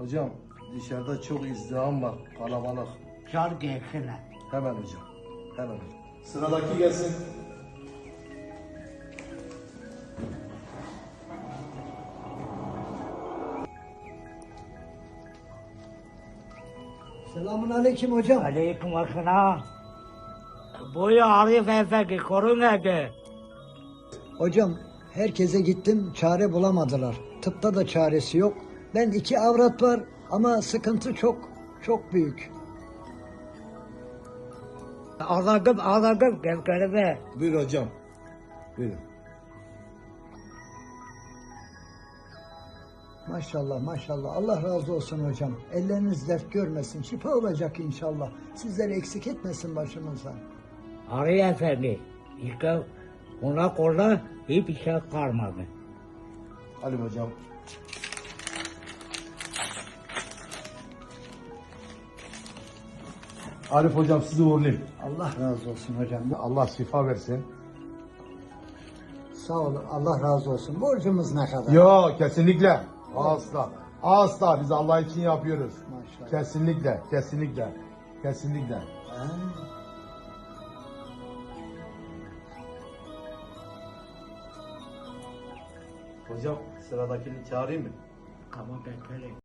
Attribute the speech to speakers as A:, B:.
A: Hocam dışarıda çok izdiham var, kalabalık.
B: Çağır gelsinler.
A: Hemen hocam, hemen hocam. Sıradaki gelsin.
C: Selamun aleyküm hocam.
B: Aleyküm selam. Boyu Arif Efendi korun evde.
C: Hocam herkese gittim çare bulamadılar. Tıpta da çaresi yok. Ben 2 avrat var ama sıkıntı çok büyük.
B: Ağladım gevkelime.
A: Buyur hocam. Buyurun.
C: Maşallah maşallah Allah razı olsun hocam. Elleriniz dert görmesin. Şifa olacak inşallah. Sizleri eksik etmesin başımızdan.
B: Arif Efendi. İşte ona kolla hiçbir şey kalmadı.
A: Ali hocam. Arif hocam sizi uğurlayayım.
C: Allah razı olsun hocam.
A: Allah şifa versin.
C: Sağ olun Allah razı olsun. Borcumuz ne kadar?
A: Yok kesinlikle. Asla. Asla biz Allah için yapıyoruz.
C: Maşallah.
A: Kesinlikle, kesinlikle, kesinlikle.
C: Ha?
A: Hocam sıradakini çağırayım mı?
B: Ama bekleyin.